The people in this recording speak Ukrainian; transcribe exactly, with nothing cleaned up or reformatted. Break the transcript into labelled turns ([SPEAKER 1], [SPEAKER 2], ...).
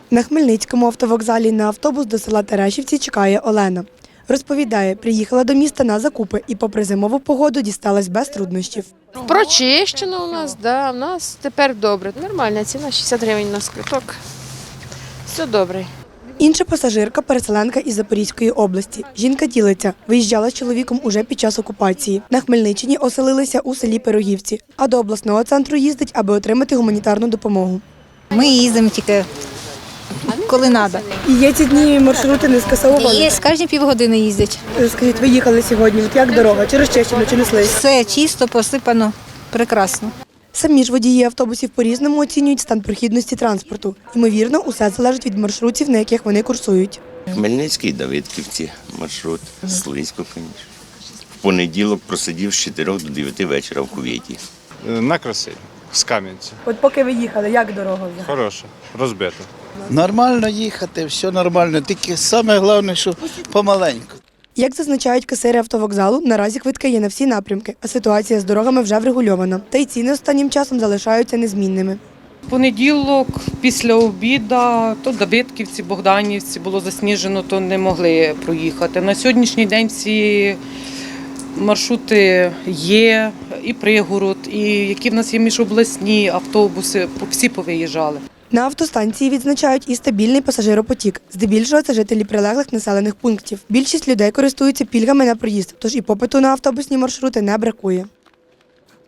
[SPEAKER 1] На Хмельницькому автовокзалі на автобус до села Терешівці чекає Олена. Розповідає, приїхала до міста на закупи і попри зимову погоду дісталась без труднощів.
[SPEAKER 2] Прочищено у нас, да, у нас тепер добре. Нормальна ціна, шістдесят гривень на квиток. Все добре.
[SPEAKER 1] Інша пасажирка – переселенка із Запорізької області. Жінка ділиться, виїжджала з чоловіком уже під час окупації. На Хмельниччині оселилися у селі Пирогівці, а до обласного центру їздить, аби отримати гуманітарну допомогу.
[SPEAKER 3] Ми їздимо тільки коли треба.
[SPEAKER 1] І є ці дні маршрути не скасовували?
[SPEAKER 3] Є, кожні півгодини їздять.
[SPEAKER 1] Скажіть, ви їхали сьогодні, от як дорога? Чи розчищено, чи неслись?
[SPEAKER 3] Все чисто, посипано, прекрасно.
[SPEAKER 1] Самі ж водії автобусів по-різному оцінюють стан прохідності транспорту. Ймовірно, усе залежить від маршрутів, на яких вони курсують.
[SPEAKER 4] Хмельницький, Давидківці, маршрут, слизько, звісно. В понеділок просидів з чотирьох до дев'яти вечора в кувєті.
[SPEAKER 5] На Красиль, з Кам'янця.
[SPEAKER 1] От поки ви їхали, як дорога?
[SPEAKER 5] Хороша, розбита.
[SPEAKER 6] Нормально їхати, все нормально, тільки саме головне, що помаленьку.
[SPEAKER 1] Як зазначають касири автовокзалу, наразі квитки є на всі напрямки, а ситуація з дорогами вже врегульована. Та й ціни останнім часом залишаються незмінними.
[SPEAKER 7] Понеділок, після обіду, то Давидківці, Богданівці було засніжено, то не могли проїхати. На сьогоднішній день всі маршрути є, і пригород, і які в нас є міжобласні автобуси, всі повиїжджали.
[SPEAKER 1] На автостанції відзначають і стабільний пасажиропотік. Здебільшого це жителі прилеглих населених пунктів. Більшість людей користуються пільгами на проїзд, тож і попиту на автобусні маршрути не бракує.